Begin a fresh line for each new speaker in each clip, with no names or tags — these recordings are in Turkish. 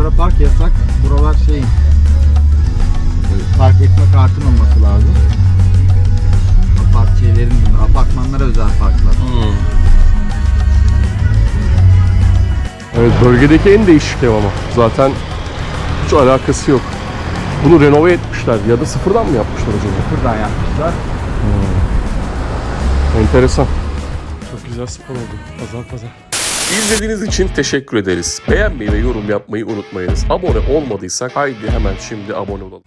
sonra park yasak. Buralar park etme kartın olması lazım. Apartmanlara özel parklar.
Evet, bölgedeki en değişik ev ama. Zaten hiç alakası yok. Bunu renove etmişler ya da sıfırdan mı yapmışlar acaba?
Buradan yapmışlar.
Enteresan. Çok güzel spor oldu. Pazar. İzlediğiniz için teşekkür ederiz. Beğenmeyi ve yorum yapmayı unutmayınız. Abone olmadıysak haydi hemen şimdi abone olalım.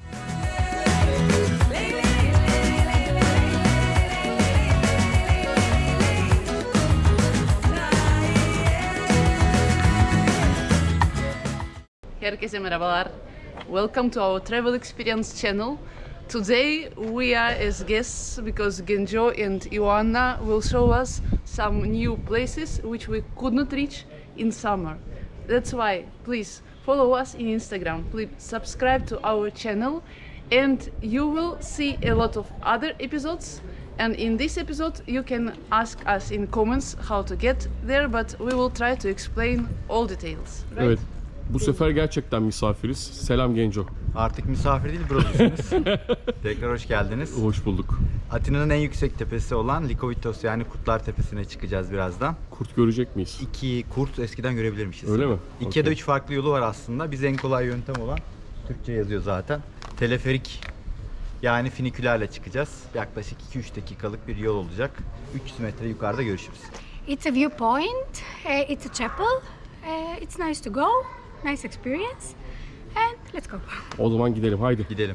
Herkese merhabalar. Welcome to our travel experience channel. Today we are as guests because Genjo and Ioanna will show us some new places which we could not reach in summer. That's why please follow us in Instagram. Please subscribe to our channel and you will see a lot of other episodes. And in this episode you can ask us in comments how to get there, but we will try to explain all details. Right?
Evet. Bu sefer gerçekten misafiriz. Selam Genco.
Artık misafir değil, buradasınız. Tekrar hoş geldiniz.
Hoş bulduk.
Atina'nın en yüksek tepesi olan Likovitos yani Kurtlar Tepesi'ne çıkacağız birazdan.
Kurt görecek miyiz?
2 kurt eskiden görebilirmişiz.
Öyle mi?
2 ya da 3 farklı yolu var aslında. Biz en kolay yöntem olan, Türkçe yazıyor zaten, teleferik yani finikülerle çıkacağız. Yaklaşık 2-3 dakikalık bir yol olacak. 300 metre yukarıda görüşürüz.
It's a viewpoint, it's a chapel, it's nice to go, nice experience, and let's go.
O zaman gidelim, haydi.
Gidelim.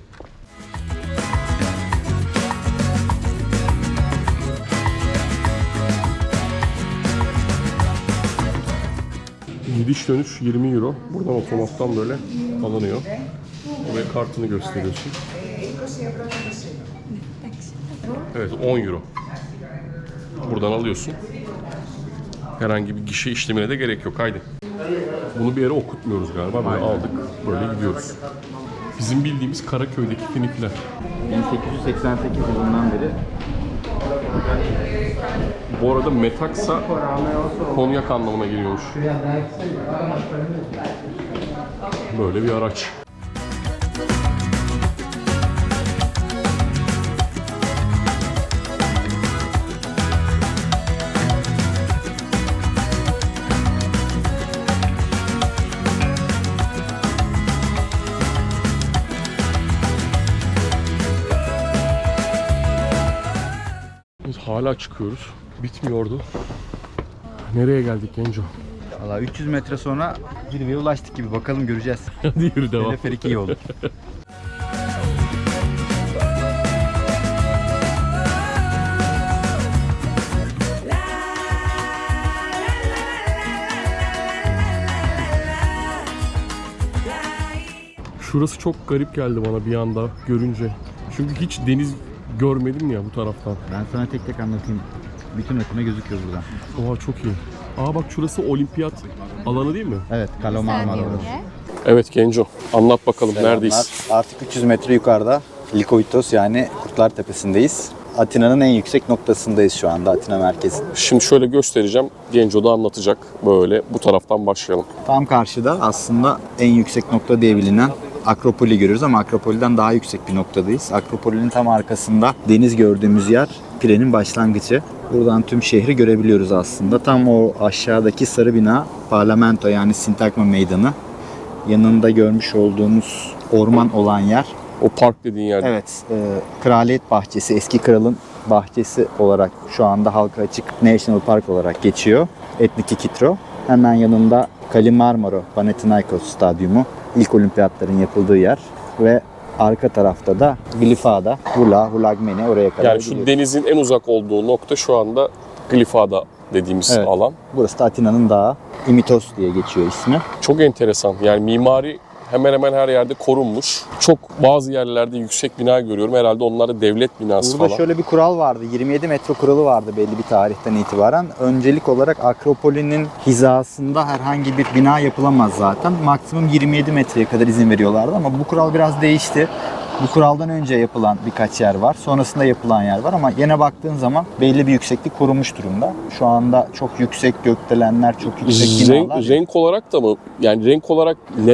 Gidiş dönüş 20 euro. Buradan otomattan böyle alınıyor. Oraya kartını gösteriyorsun. Evet, 10 euro. Buradan alıyorsun. Herhangi bir gişe işlemine de gerek yok. Haydi. Bunu bir yere okutmuyoruz galiba. Böyle aldık. Böyle gidiyoruz. Bizim bildiğimiz Karaköy'deki finiküler.
1888 yılından beri.
Bu arada metaksa konyak anlamına geliyormuş. Böyle bir araç. Biz hala çıkıyoruz. Bitmiyordu. Nereye geldik Genco?
Valla 300 metre sonra zirveye ulaştık gibi. Bakalım, göreceğiz.
Hadi yürü, devam.
Teleferik iyi olur.
Şurası çok garip geldi bana bir anda görünce. Çünkü hiç deniz görmedim ya bu taraftan.
Ben sana tek tek anlatayım. Bütün Atina gözüküyor buradan.
Oha, çok iyi. Aa bak, şurası olimpiyat alanı değil mi?
Evet, Kalo Marmara orası.
Evet Genco, anlat bakalım neredeyiz?
Artık 300 metre yukarıda Likovitos yani Kurtlar Tepesi'ndeyiz. Atina'nın en yüksek noktasındayız şu anda, Atina merkezinde.
Şimdi şöyle göstereceğim. Genco da anlatacak. Böyle bu taraftan başlayalım.
Tam karşıda aslında en yüksek nokta diye bilinen Akropol'i görüyoruz ama Akropol'den daha yüksek bir noktadayız. Akropol'ün tam arkasında deniz gördüğümüz yer Pire'nin başlangıcı. Buradan tüm şehri görebiliyoruz aslında. Tam o aşağıdaki sarı bina Parlamento yani Sintagma Meydanı. Yanında görmüş olduğumuz orman olan yer.
O park dediğin yer.
Evet, Kraliyet Bahçesi, eski kralın bahçesi olarak şu anda halka açık National Park olarak geçiyor. Etniki Kitro. Hemen yanında Kalimarmaro Panathinaikos Stadyumu, ilk olimpiyatların yapıldığı yer ve arka tarafta da Glifada, Hulagmeni, oraya kadar
Yani şu
gidiyoruz.
denizin en uzak olduğu nokta şu anda Glifada dediğimiz
Evet.
alan.
Burası da Atina'nın dağı, Imitos diye geçiyor ismi.
Çok enteresan. Yani mimari hemen hemen her yerde korunmuş. Çok bazı yerlerde yüksek bina görüyorum. Herhalde onlar da devlet binası
Burada
falan.
şöyle bir kural vardı. 27 metre kuralı vardı belli bir tarihten itibaren. Öncelik olarak Akropol'ün hizasında herhangi bir bina yapılamaz zaten. Maksimum 27 metreye kadar izin veriyorlardı ama bu kural biraz değişti. Bu kuraldan önce yapılan birkaç yer var. Sonrasında yapılan yer var ama yine baktığın zaman belli bir yükseklik korunmuş durumda. Şu anda çok yüksek gökdelenler, çok yüksek binalar.
Renk olarak da mı? Yani renk olarak neden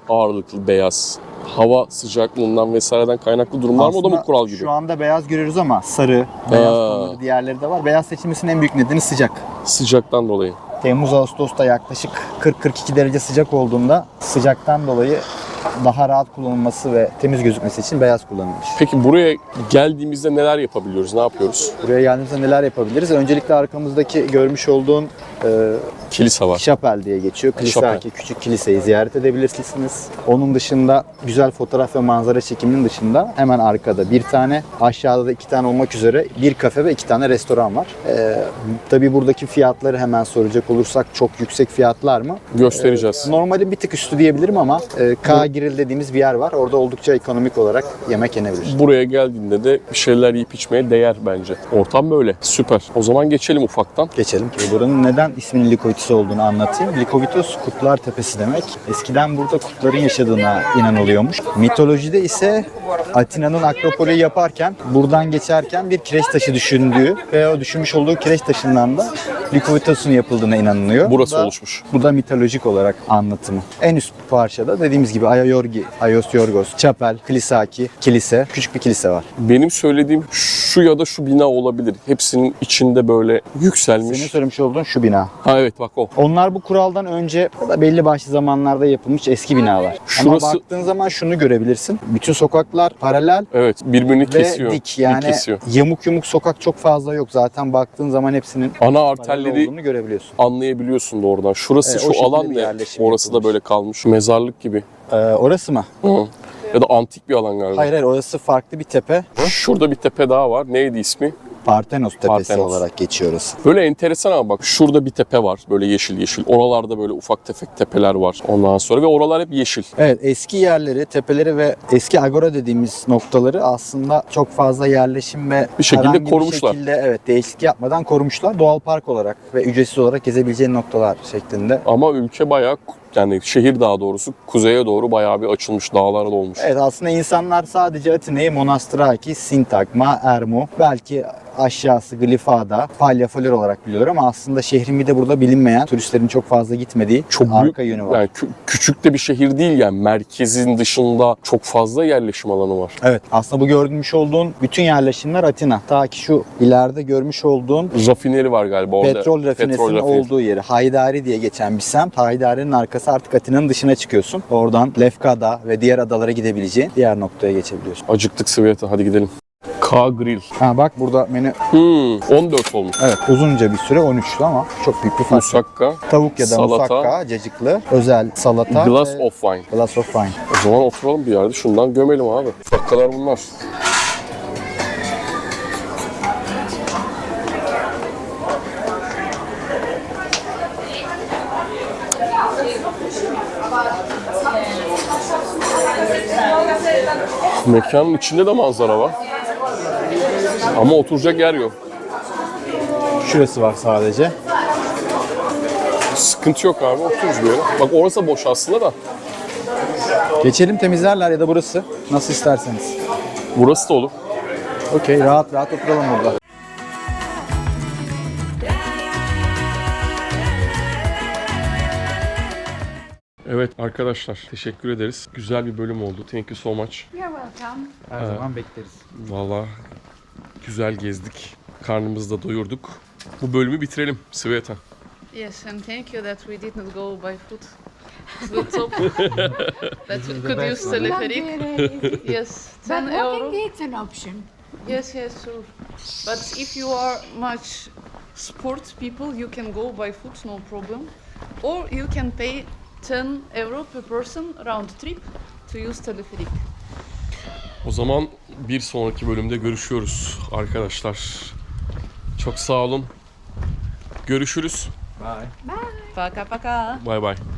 ağırlıklı beyaz? Hava sıcaklığından vesaireden kaynaklı durumlar mı? O da mı kural gibi?
Şu anda beyaz görüyoruz ama sarı, beyaz tonları diğerleri de var. Beyaz seçilmesinin en büyük nedeni sıcak.
Sıcaktan dolayı.
Temmuz-Ağustos'ta yaklaşık 40-42 derece sıcak olduğunda sıcaktan dolayı daha rahat kullanılması ve temiz gözükmesi için beyaz kullanılmış.
Peki buraya geldiğimizde neler yapabiliyoruz? Ne yapıyoruz?
Buraya geldiğimizde neler yapabiliriz? Öncelikle arkamızdaki görmüş olduğun
Kilise var.
Şapel diye geçiyor. Kilisaki küçük kiliseyi ziyaret edebilirsiniz. Onun dışında güzel fotoğraf ve manzara çekiminin dışında hemen arkada bir tane, aşağıda da 2 tane olmak üzere bir kafe ve 2 tane restoran var. Tabii buradaki fiyatları hemen soracak olursak çok yüksek fiyatlar mı?
Göstereceğiz.
Normalin bir tık üstü diyebilirim ama K Grill dediğimiz bir yer var. Orada oldukça ekonomik olarak yemek yenebilir.
Buraya geldiğinde de bir şeyler yiyip içmeye değer bence. Ortam böyle. Süper. O zaman geçelim ufaktan.
Geçelim. Buranın neden isminin Likovitos olduğunu anlatayım. Likovitos Kutlar Tepesi demek. Eskiden burada kutların yaşadığına inanılıyormuş. Mitolojide ise Atina'nın Akropolü yaparken buradan geçerken bir kireç taşı düşündüğü ve o düşünmüş olduğu kireç taşından da Likovitos'un yapıldığına inanılıyor.
Burası
Bu da,
oluşmuş.
Bu da mitolojik olarak anlatımı. En üst parçada dediğimiz gibi Aios Yorgos, Çapel, Kilisaki, kilise, küçük bir kilise var.
Benim söylediğim şu ya da şu bina olabilir. Hepsinin içinde böyle yükselmiş.
Senin söylemiş olduğun şu bina.
Ha evet bak o.
Onlar bu kuraldan önce ya da belli başlı zamanlarda yapılmış eski binalar.
Şurası-
Ama baktığın zaman şunu görebilirsin. Bütün sokaklar paralel
Evet birbirini
ve
kesiyor.
dik. Yani
kesiyor.
yamuk yumuk sokak çok fazla yok. Zaten baktığın zaman hepsinin
Ana
paralel
arterleri
olduğunu görebiliyorsun.
anlayabiliyorsun da oradan. Şurası
o
şu
şekilde
alan
bir
ne?
yerleşim
Orası da
yapılmış.
böyle kalmış. Mezarlık gibi.
Orası mı?
Hı. Ya da antik bir alan galiba.
Hayır orası farklı bir tepe.
Şurada bir tepe daha var. Neydi ismi?
Parthenos Tepesi
Parthenos.
olarak geçiyor orası.
Böyle enteresan ama bak şurada bir tepe var. Böyle yeşil yeşil. Oralarda böyle ufak tefek tepeler var. Ondan sonra ve oralar hep yeşil.
Evet eski yerleri, tepeleri ve eski agora dediğimiz noktaları aslında çok fazla yerleşim ve
Bir şekilde
herhangi
korumuşlar.
Bir şekilde evet değişiklik yapmadan korumuşlar. Doğal park olarak ve ücretsiz olarak gezebileceğin noktalar şeklinde.
Ama ülke bayağı yani şehir daha doğrusu kuzeye doğru bayağı bir açılmış. Dağlara dolmuş.
Evet aslında insanlar sadece Atina'yı Monastraki, Sintagma, Ermu, belki aşağısı Glifada, Palyafalor olarak biliyorlar ama aslında şehrin bir de burada bilinmeyen, turistlerin çok fazla gitmediği
Çok
arka
büyük,
yönü var.
yani küçük de bir şehir değil yani. Merkezin dışında çok fazla yerleşim alanı var.
Evet aslında bu görmüş olduğun bütün yerleşimler Atina. Ta ki şu ileride görmüş olduğun
Rafineri var galiba orada.
petrol rafinesinin
rafineri.
olduğu yeri. Haydari diye geçen bir semt. Haydari'nin arkası artık Atina'nın dışına çıkıyorsun. Oradan Lefkada ve diğer adalara gidebileceğin diğer noktaya geçebiliyorsun.
Acıktık Sveta, hadi gidelim. K Grill.
Ha bak burada menü
14 olmuş.
evet uzunca bir süre 13'lü ama çok büyük bir fark.
Musakka,
Tavuk ya da
salata,
musakka, cacıklı, özel salata
glass
ve
of wine.
glass of wine.
O zaman oturalım bir yerde şundan gömelim abi. Musakkalar bunlar. Mekanın içinde de manzara var. Ama oturacak yer yok.
Şurası var sadece.
Sıkıntı yok abi, otururuz böyle. Bak orası boş aslında da.
Geçelim temizlerler ya da burası. Nasıl isterseniz.
Burası da olur.
Okey rahat rahat oturalım burada.
Evet arkadaşlar, teşekkür ederiz. Güzel bir bölüm oldu. Thank you so much.
You're welcome.
Her zaman bekleriz.
Vallahi güzel gezdik. Karnımızı da doyurduk. Bu bölümü bitirelim Sveta.
Yes, and thank you that we did not go by foot to the top. That we could use telepheric.
Luxury.
Yes,
But
10 euro.
walking it's an option.
Yes, yes, sure. But if you are much sport people, you can go by foot, no problem. Or you can pay 10 euro per person round trip to use telepheric.
O zaman bir sonraki bölümde görüşüyoruz arkadaşlar. Çok sağ olun. Görüşürüz.
Bye.
Пока-пока.
Bay bay.